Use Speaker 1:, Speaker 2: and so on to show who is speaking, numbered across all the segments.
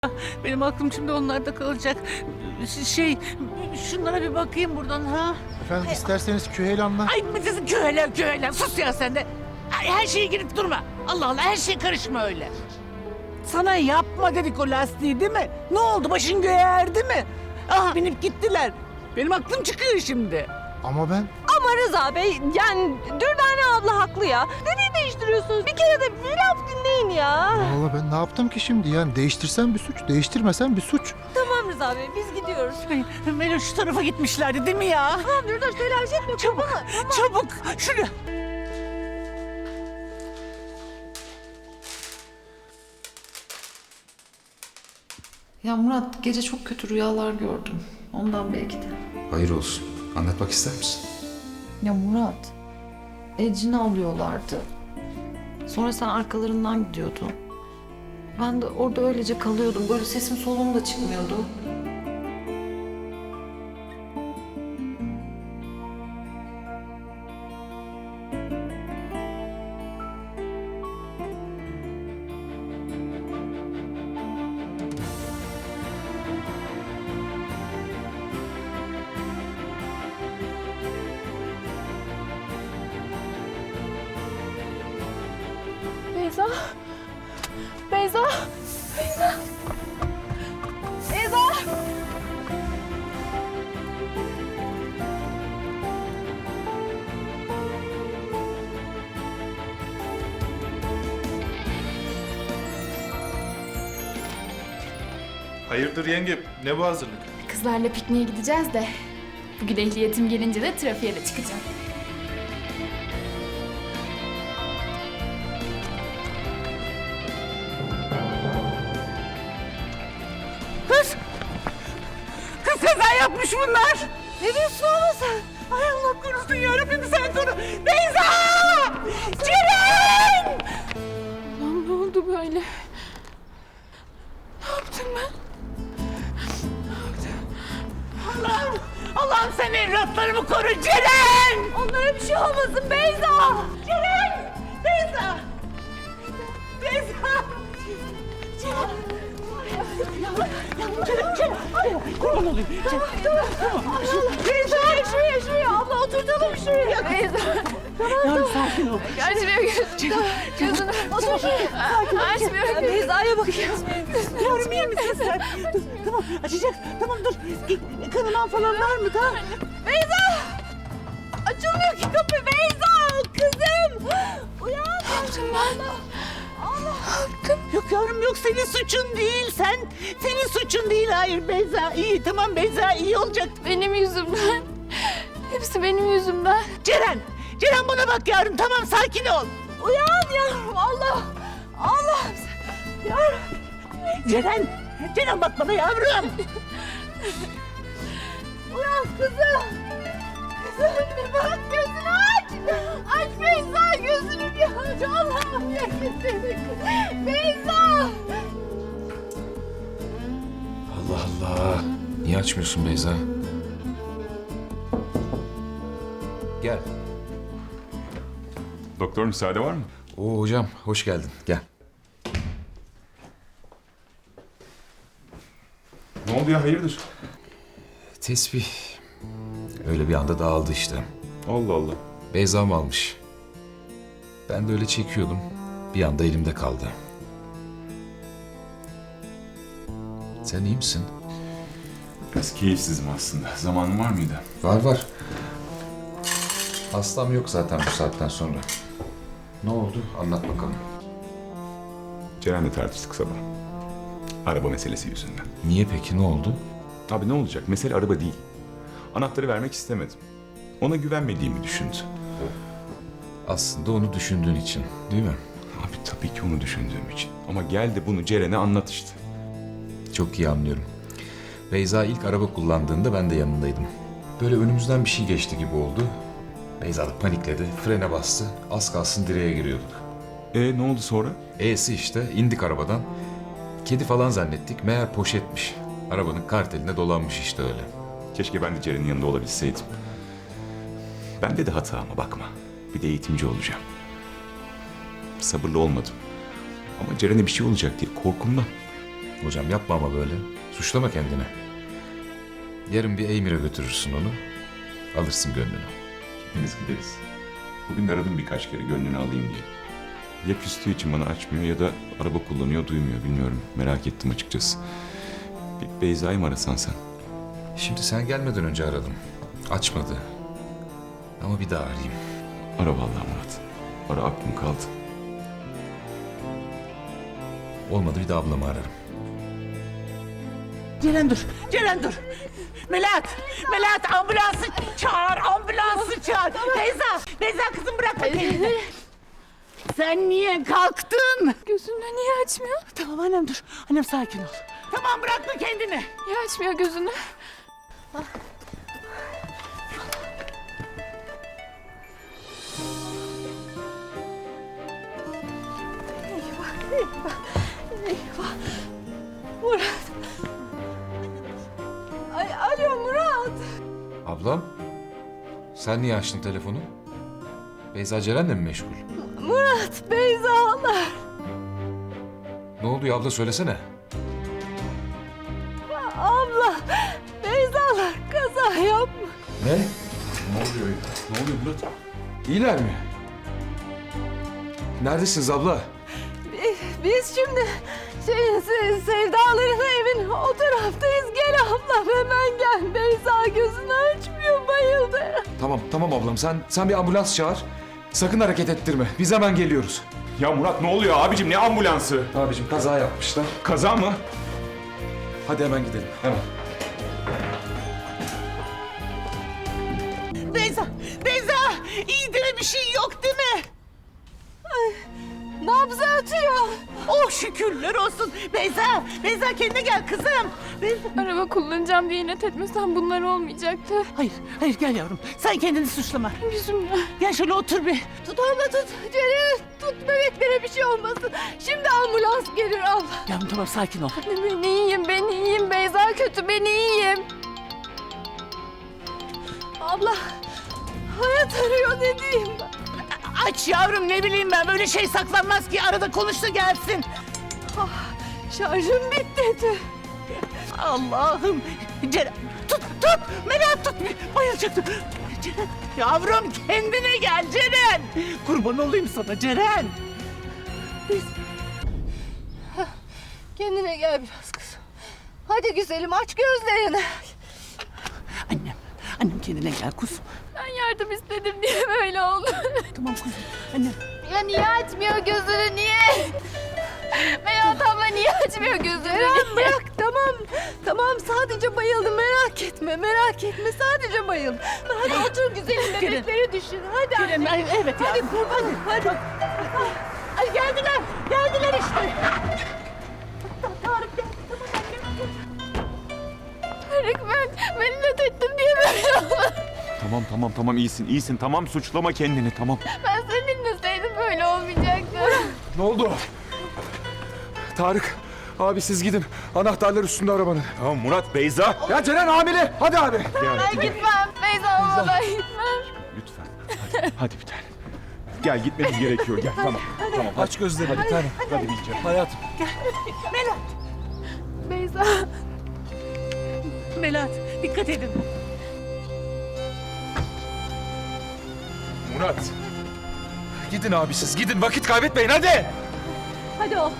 Speaker 1: Benim aklım şimdi onlarda kalacak. Şey, şunlara bir bakayım buradan ha.
Speaker 2: Efendim isterseniz Küheylan'la...
Speaker 1: Ay köhelen sus ya sen de. Ay, her şeye girip durma. Allah Allah her şeye karışma öyle. Sana yapma dedik o lastiği değil mi? Ne oldu başın göğe erdi mi? Ah binip gittiler. Benim aklım çıkıyor şimdi.
Speaker 2: Ama ben...
Speaker 3: Ama Rıza Bey, yani Dürdane abla haklı ya. Nereye değiştiriyorsunuz? Bir kere de bir laf dinleyin ya.
Speaker 2: Vallahi ben ne yaptım ki şimdi? Yani değiştirsem bir suç, değiştirmesem bir suç.
Speaker 3: Tamam Rıza Bey, biz gidiyoruz.
Speaker 1: Ay, Melo şu tarafa gitmişlerdi değil mi ya?
Speaker 3: Tamam Dürdane, telaş etme.
Speaker 1: Çabuk, çabuk. Şunu.
Speaker 4: Ya Murat, gece çok kötü rüyalar gördüm. Ondan belki de.
Speaker 5: Hayır olsun. Anlatmak ister misin?
Speaker 4: Ya Murat, Ecrin'i alıyorlardı. Sonra sen arkalarından gidiyordun. Ben de orada öylece kalıyordum. Böyle sesim soluğum da çıkmıyordu.
Speaker 3: Beyza. Beyza. Beyza. Beyza.
Speaker 6: Hayırdır yenge, ne bu hazırlık?
Speaker 7: Kızlarla pikniğe gideceğiz de bugün ehliyetim gelince de trafiğe de çıkacağım.
Speaker 1: Kız! Kız kaza yapmış bunlar. Ne diyorsun oğlum sen? Ay Allah korusun yarabbim sen koru. Beyza! Ceren!
Speaker 7: Lan ne oldu böyle? Ne yaptım ben?
Speaker 1: Allah'ım! Allah'ım sen evlatlarımı koru Ceren!
Speaker 3: Onlara bir şey olmasın Beyza.
Speaker 1: Ceren! Beyza! Beyza! Ceren! Ceren! Kurban olayım.
Speaker 3: Beyza. Şuraya. Abla oturtalım şuraya. Beyza.
Speaker 1: Yavrum sakin ol.
Speaker 7: Açmıyor gözünü.
Speaker 3: Otur şuraya.
Speaker 7: Açmıyor.
Speaker 3: Beyza'ya bakayım.
Speaker 1: Yavrum iyi misin sen? Dur, tamam açacak. Tamam dur. Kanaman falan var mı? Tamam.
Speaker 3: Beyza. Açılmıyor ki kapı. Beyza. Kızım. Uyan.
Speaker 7: Ne yaptım ben?
Speaker 1: Yok yavrum yok senin suçun değil. Senin suçun değil. Hayır Beyza iyi. Tamam Beyza iyi olacak.
Speaker 7: Benim yüzümden. Hepsi benim yüzümden.
Speaker 1: Ceren! Ceren bana bak yavrum tamam sakin ol.
Speaker 3: Uyan yavrum. Allah. Yavrum.
Speaker 1: Ceren! Ceren bak bana yavrum.
Speaker 3: Uyan kızım. Kızım bir bak gözünü aç. Aç Beyza gözünü bir aç. Allah'ım yemin seni. Beyza.
Speaker 5: Allah Allah. Niye açmıyorsun Beyza? Gel.
Speaker 6: Doktor müsaade var mı?
Speaker 5: Oo hocam hoş geldin. Gel.
Speaker 6: Ne oldu ya, hayırdır?
Speaker 5: Tesbih. Öyle bir anda dağıldı işte.
Speaker 6: Allah Allah.
Speaker 5: Beyza'm almış. Ben de öyle çekiyordum. Bir anda elimde kaldı. Sen iyi misin?
Speaker 6: Biraz keyifsizim aslında. Zamanın var mıydı?
Speaker 5: Var. Hastam yok zaten bu saatten sonra. Ne oldu? Anlat bakalım.
Speaker 6: Ceren'le tartıştık sabah. Araba meselesi yüzünden.
Speaker 5: Niye peki ne oldu?
Speaker 6: Abi ne olacak? Mesele araba değil. Anahtarı vermek istemedim. Ona güvenmediğimi düşündü.
Speaker 5: Aslında onu düşündüğün için değil mi?
Speaker 6: Abi tabii ki onu düşündüğüm için. Ama gel de bunu Ceren'e anlat işte.
Speaker 5: Çok iyi anlıyorum. Beyza ilk araba kullandığında ben de yanındaydım. Böyle önümüzden bir şey geçti gibi oldu. Beyza da panikledi, frene bastı. Az kalsın direğe giriyorduk.
Speaker 6: Ne oldu sonra?
Speaker 5: E'si işte indik arabadan. Kedi falan zannettik, meğer poşetmiş. Arabanın karteline dolanmış işte öyle.
Speaker 6: Keşke ben de Ceren'in yanında olabilseydim. Bende de hata ama bakma. Bir de eğitimci olacağım. Sabırlı olmadım. Ama Ceren'e bir şey olacak diye korkumdan.
Speaker 5: Hocam yapma ama böyle. Suçlama kendini. Yarın bir Eymir'e götürürsün onu. Alırsın gönlünü.
Speaker 6: Biz gideriz. Bugün de aradım birkaç kere gönlünü alayım diye. Ya küstüğü için bana açmıyor ya da araba kullanıyor duymuyor bilmiyorum. Merak ettim açıkçası. Bir Beyza'yı mı arasan sen?
Speaker 5: Şimdi sen gelmeden önce aradım. Açmadı. Ama bir daha arayayım.
Speaker 6: Ara vallahi Murat. Ara aklım kaldı.
Speaker 5: Olmadı bir de ablamı ararım.
Speaker 1: Ceren dur. Ceren dur. Melahat ambulansı çağır. Ambulansı çağır. Beyza kızım bırakma kendini. Sen niye kalktın?
Speaker 7: Gözünü niye açmıyor?
Speaker 1: Tamam annem dur. Annem sakin ol. Tamam bırakma kendini.
Speaker 7: Niye açmıyor gözünü?
Speaker 3: Ay, alo Murat.
Speaker 5: Ablam? Sen niye açtın telefonu? Beyza Ceren'le mi meşgul?
Speaker 3: Murat, Beyza'lar.
Speaker 5: Ne oluyor abla söylesene.
Speaker 3: Abla, Beyza'lar kaza yapmış.
Speaker 5: Ne?
Speaker 6: Ne oluyor Murat?
Speaker 5: İyiler mi? Neredesiniz abla?
Speaker 3: Biz şimdi Sevdaların evin o taraftayız. Gel ablam hemen gel. Beyza gözünü açmıyor, bayıldı.
Speaker 5: Tamam ablam sen bir ambulans çağır. Sakın hareket ettirme. Biz hemen geliyoruz.
Speaker 6: Ya Murat ne oluyor abicim ne ambulansı?
Speaker 5: Abicim kaza yapmışlar.
Speaker 6: Kaza mı?
Speaker 5: Hadi hemen gidelim. Hemen.
Speaker 1: Beyza iyi değil mi? Bir şey yok değil mi?
Speaker 3: Nabzı atıyor.
Speaker 1: Oh şükürler olsun. Beyza kendine gel kızım.
Speaker 7: Araba kullanacağım diye inat etmesen bunlar olmayacaktı.
Speaker 1: Hayır gel yavrum. Sen kendini suçlama.
Speaker 7: Yüzümden.
Speaker 1: Gel şöyle otur bir.
Speaker 3: Tut abla tut. Ceren tut, bebeklere bir şey olmasın. Şimdi ambulans gelir abla.
Speaker 1: Yavrum tamam sakin ol.
Speaker 7: Ben iyiyim. Beyza kötü, ben iyiyim.
Speaker 3: Abla hayat arıyor, ne diyeyim ben?
Speaker 1: Aç yavrum ne bileyim ben. Böyle şey saklanmaz ki. Arada konuş da gelsin.
Speaker 3: Şarjım bitti.
Speaker 1: Allah'ım. Ceren tut. Merak tut. Bayılacaktım. Ceren. Yavrum kendine gel Ceren. Kurban olayım sana Ceren.
Speaker 3: Kendine gel biraz kızım. Hadi güzelim aç gözlerini.
Speaker 1: Annem kendine gel kuzum.
Speaker 7: Ben yardım istedim diye böyle oldu.
Speaker 1: Tamam kuzum. Annem.
Speaker 7: Ya niye açmıyor gözünü, niye? Melahat abla niye açmıyor gözünü?
Speaker 3: Ceren bırak, tamam sadece bayıldım, merak etme sadece bayıldım. Hadi otur güzelim, bebekleri düşün. Hadi
Speaker 1: Ceren
Speaker 3: anne.
Speaker 1: evet
Speaker 3: Hadi
Speaker 1: yavrum.
Speaker 3: kurbanım hadi.
Speaker 1: Ay geldiler işte.
Speaker 7: Tarık ben inat ettim diye böyle oldu.
Speaker 6: Tamam iyisin tamam suçlama kendini tamam.
Speaker 7: Ben seni dinleseydim böyle olmayacaktı.
Speaker 8: Ne oldu? Tarık, abi siz gidin. Anahtarlar üstünde arabanın.
Speaker 6: Tamam Murat Beyza.
Speaker 8: Ya Ceren hamile. Hadi abi.
Speaker 7: Ben gitmem. Beyza olmadan gitmem.
Speaker 6: Lütfen. Hadi bir tane. Gel gitmemiz gerekiyor gel tamam. Tamam
Speaker 8: Aç gözlerini bir tane.
Speaker 6: hadi bir kere.
Speaker 8: Hayatım.
Speaker 7: Beyza.
Speaker 1: Melahat dikkat edin.
Speaker 8: Murat. Gidin abi siz. Gidin vakit kaybetmeyin hadi.
Speaker 3: Hadi ol.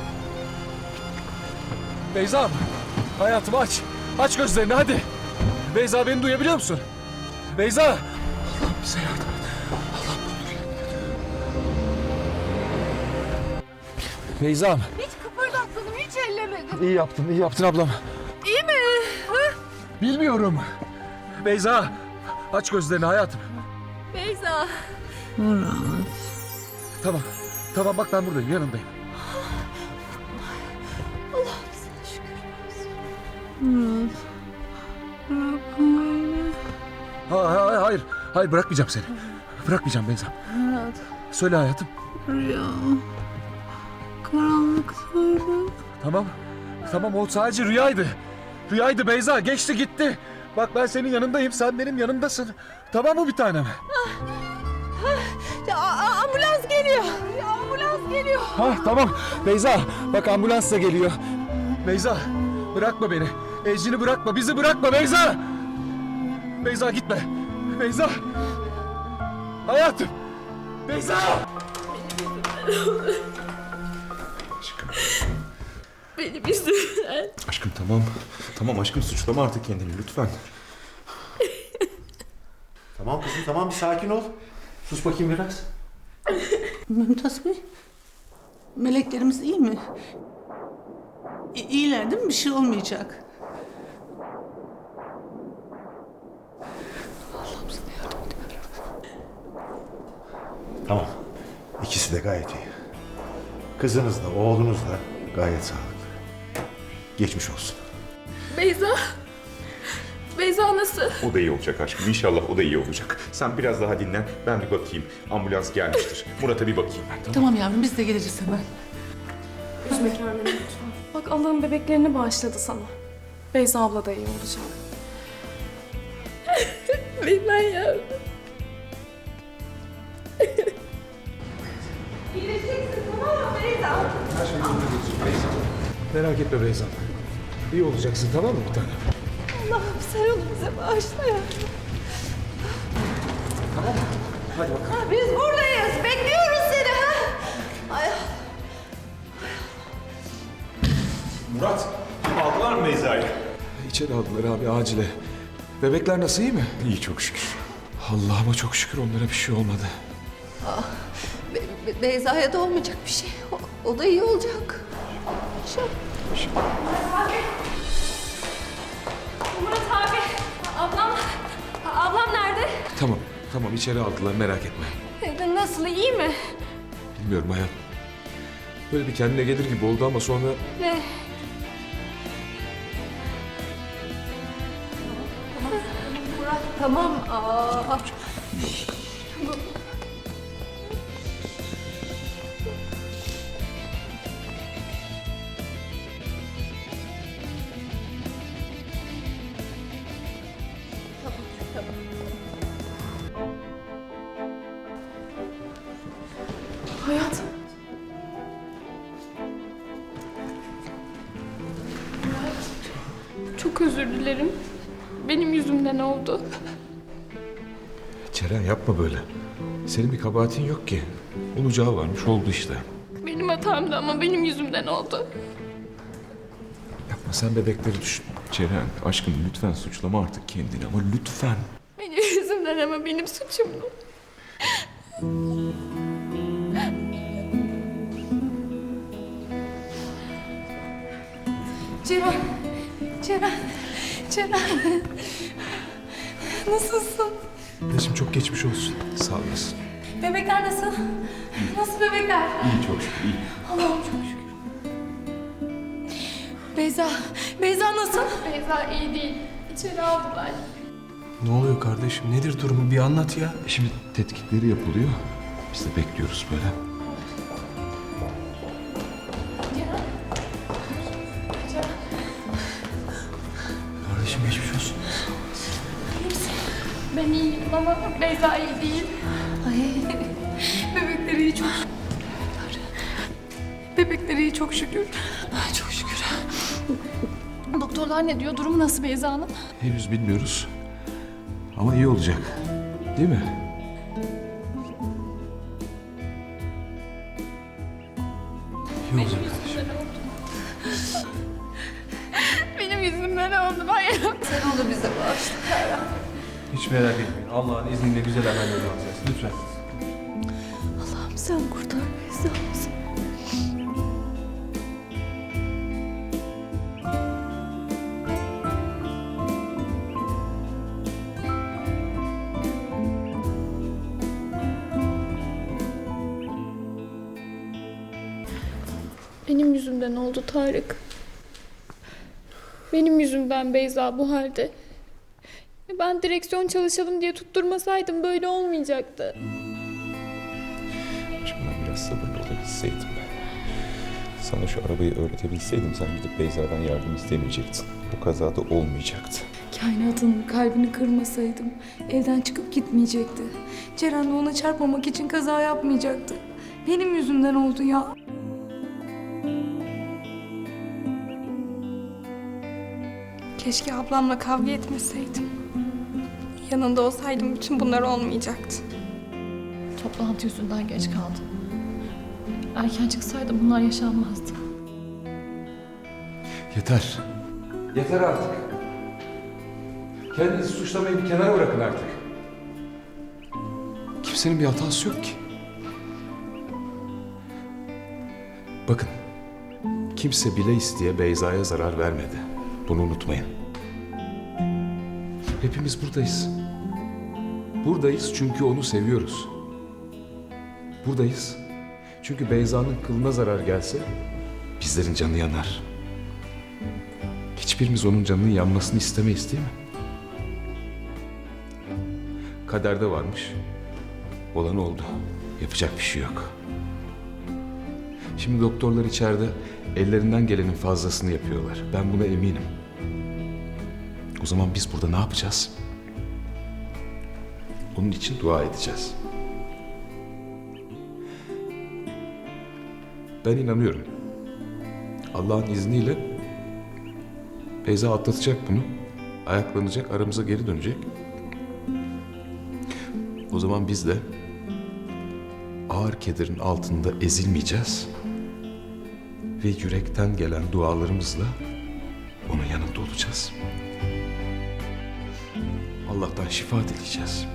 Speaker 8: Beyza. Hayatım aç. Aç gözlerini hadi. Beyza beni duyabiliyor musun? Beyza. Allah'ım bize yardım et. Beyza'm.
Speaker 3: Hiç kıpırdatmadım, hiç ellemedim.
Speaker 8: İyi yaptın ablam.
Speaker 3: İyi mi?
Speaker 8: Bilmiyorum. Beyza. Aç gözlerini hayatım.
Speaker 3: Beyza.
Speaker 8: Tamam bak ben buradayım yanındayım.
Speaker 3: Allah'ım sana şükür olsun.
Speaker 8: Hayır bırakmayacağım seni. Bırakmayacağım Beyza. Söyle hayatım.
Speaker 3: Karanlıktaydı.
Speaker 8: Tamam o sadece rüyaydı. Rüyaydı Beyza geçti gitti. Bak ben senin yanındayım sen benim yanımdasın. Tamam mı bir tanem?
Speaker 3: Ambulans geliyor. Ambulans geliyor.
Speaker 8: Tamam Beyza bak ambulans da geliyor. Beyza, bırakma beni. Ecrin'i bırakma, bizi bırakma Beyza! Beyza gitme. Beyza! Hayatım! Beyza!
Speaker 6: Aşkım.
Speaker 7: Benim yüzümden.
Speaker 6: Aşkım tamam. Tamam aşkım suçlama artık kendini lütfen.
Speaker 9: Tamam kızım tamam bir sakin ol. Sus bakayım biraz.
Speaker 1: Mümtaz Bey, meleklerimiz iyi mi? İyiler değil mi? Bir şey olmayacak.
Speaker 9: Tamam. İkisi de gayet iyi. Kızınız da oğlunuz da gayet sağlıklı. Geçmiş olsun.
Speaker 7: Beyza. Beyza nasıl?
Speaker 6: O da iyi olacak aşkım. İnşallah o da iyi olacak. Sen biraz daha dinlen. Ben bir bakayım. Ambulans gelmiştir. Murat'a bir bakayım ben. Tamam.
Speaker 1: Tamam yavrum, biz de geleceğiz hemen.
Speaker 10: Üzme kendini lütfen. Bak Allah'ın bebeklerini bağışladı sana. Beyza abla da iyi olacak.
Speaker 7: Bilmem ya.
Speaker 8: Merak etme Beyza. İyi olacaksın tamam mı bir tane?
Speaker 7: Allah'ım sen onu bize bağışla ya.
Speaker 8: Hadi bakalım.
Speaker 7: Biz buradayız. Bekliyoruz seni ha. Ay.
Speaker 6: Murat, aldılar mı Beyza'yı?
Speaker 8: İçeri aldılar abi acile. Bebekler nasıl iyi mi?
Speaker 6: İyi çok şükür.
Speaker 8: Allah'ıma çok şükür onlara bir şey olmadı.
Speaker 7: Beyza'ya da olmayacak bir şey. O da iyi olacak.
Speaker 10: Murat abi. Ablam nerede?
Speaker 8: Tamam, tamam içeri aldılar merak etme.
Speaker 10: Nasıl, iyi mi?
Speaker 8: Bilmiyorum hayat. Böyle bir kendine gelir gibi oldu ama sonra...
Speaker 10: Ne?
Speaker 7: Tamam. Aa.
Speaker 10: Hayat. Çok özür dilerim. Benim yüzümden oldu.
Speaker 8: Ceren yapma böyle. Senin bir kabahatin yok ki. Olacağı varmış oldu işte.
Speaker 10: Benim hatamdı ama benim yüzümden oldu.
Speaker 8: Yapma sen bebekleri düşün.
Speaker 6: Ceren, aşkım lütfen suçlama artık kendini ama lütfen.
Speaker 10: Benim yüzümden ama benim suçumdu. Ceren. Nasılsın?
Speaker 8: Anneciğim çok geçmiş olsun. Sağ olasın.
Speaker 10: Bebekler nasıl? Nasıl bebekler?
Speaker 6: İyi çok şükür, iyi.
Speaker 10: Allah'ım çok şükür. Beyza nasıl? Beyza iyi değil. İçeri aldılar.
Speaker 11: Ne oluyor kardeşim? Nedir durumu? Bir anlat ya.
Speaker 8: Şimdi tetkikleri yapılıyor. Biz de bekliyoruz böyle.
Speaker 11: Kardeşim geçmiş olsun.
Speaker 10: Ben iyiyim ama Beyza iyi değil. Bebekleri iyi çok şükür. Bebekleri iyi çok şükür. Çok şükür. Doktorlar ne diyor? Durumu nasıl Beyza'nın?
Speaker 8: Henüz bilmiyoruz. Ama iyi olacak. Değil mi?
Speaker 11: İyi olacak kardeşim.
Speaker 10: Benim yüzümden oldu. Ben yaptım.
Speaker 7: Sen onu bize bağışla.
Speaker 11: Hiç merak etmeyin. Allah'ın izniyle güzel haberler alacağız. Lütfen.
Speaker 7: Allah'ım sen kurtar Beyza'mızı.
Speaker 10: Benim yüzümden oldu Tarık. Benim yüzümden Beyza bu halde. Ben direksiyon çalışalım diye tutturmasaydım böyle olmayacaktı.
Speaker 6: Aşkım ben biraz sabırlı olabilseydim. Sana şu arabayı öğretebilseydim sen gidip Beyza'dan yardım istemeyecektin. Bu kazada olmayacaktı.
Speaker 10: Kainatın kalbini kırmasaydım evden çıkıp gitmeyecekti. Ceren de ona çarpmamak için kaza yapmayacaktı. Benim yüzümden oldu ya. Keşke ablamla kavga etmeseydim. Yanında olsaydım bütün bunlar olmayacaktı.
Speaker 4: Toplantı yüzünden geç kaldım. Erken çıksaydı bunlar yaşanmazdı.
Speaker 5: Yeter. Yeter artık. Kendinizi suçlamayı bir kenara bırakın artık. Kimsenin bir hatası yok ki. Bakın, kimse bile isteye Beyza'ya zarar vermedi. Bunu unutmayın. Hepimiz buradayız. Buradayız çünkü onu seviyoruz. Buradayız çünkü Beyza'nın kılına zarar gelse bizlerin canı yanar. Hiçbirimiz onun canının yanmasını istemeyiz, değil mi? Kaderde varmış. Olan oldu. Yapacak bir şey yok. Şimdi doktorlar içeride ellerinden gelenin fazlasını yapıyorlar. Ben buna eminim. O zaman biz burada ne yapacağız? Onun için dua edeceğiz. Ben inanıyorum. Allah'ın izniyle Beyza atlatacak bunu. Ayaklanacak, aramıza geri dönecek. O zaman biz de ağır kederin altında ezilmeyeceğiz. Ve yürekten gelen dualarımızla onun yanında olacağız. Allah'tan şifa dileyeceğiz.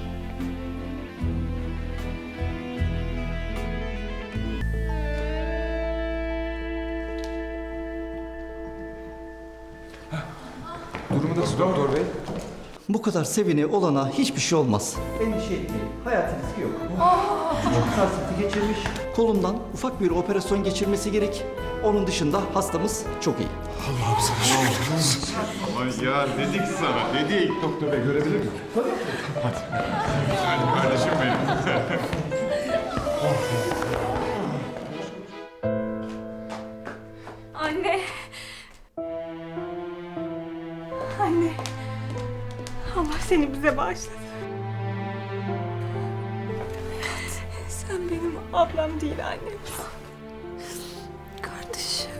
Speaker 5: Durumu nasıl doktor bey?
Speaker 12: Bu kadar sevine olana hiçbir şey olmaz. Endişe etmeyin. Hayati riski yok. Küçük bir sarsıntı geçirmiş. Kolundan ufak bir operasyon geçirmesi gerek. Onun dışında hastamız çok iyi.
Speaker 5: Allah'ım sana şükür olsun.
Speaker 9: Aman ya dedik sana dedik.
Speaker 5: Doktor bey görebilir miyim?
Speaker 9: Hadi kardeşim benim.
Speaker 10: Anne. Anne. Allah seni bize bağışladı. Sen benim ablam değil annemsin. Kardeşim.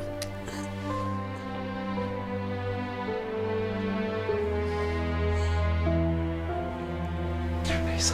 Speaker 5: Beyza.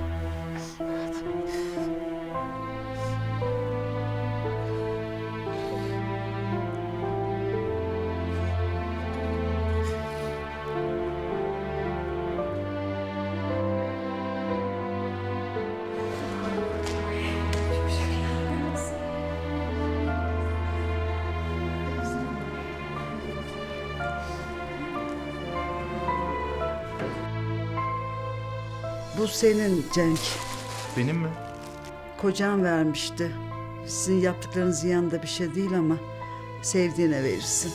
Speaker 13: Bu senin Cenk.
Speaker 9: Benim mi?
Speaker 13: Kocan vermişti. Sizin yaptıklarınızın yanında bir şey değil ama sevdiğine verirsin.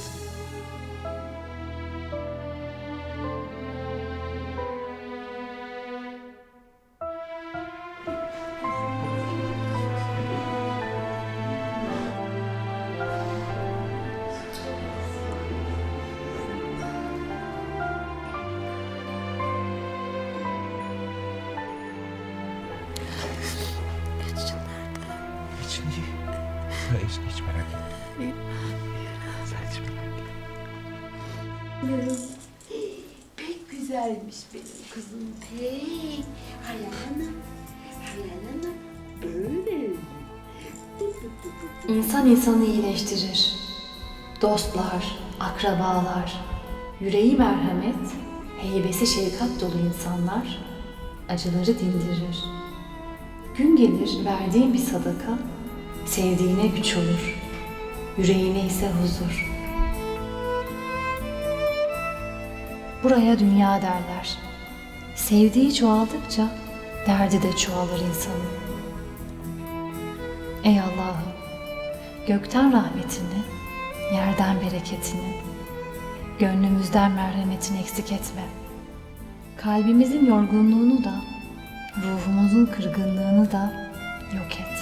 Speaker 5: İçin iyi. Hiç merak etme. Sen hiç merak etme.
Speaker 3: Pek güzelmiş benim kızım. Pek. Hayal Hanım. Hayal Hanım. Öyle.
Speaker 14: İnsan insanı iyileştirir. Dostlar, akrabalar, yüreği merhamet, heybesi şefkat dolu insanlar acıları dindirir. Gün gelir verdiğin bir sadaka, sevdiğine güç olur, yüreğine ise huzur. Buraya dünya derler. Sevdiği çoğaldıkça derdi de çoğalır insanın. Ey Allah'ım, gökten rahmetini, yerden bereketini, gönlümüzden merhametini eksik etme. Kalbimizin yorgunluğunu da, ruhumuzun kırgınlığını da yok et.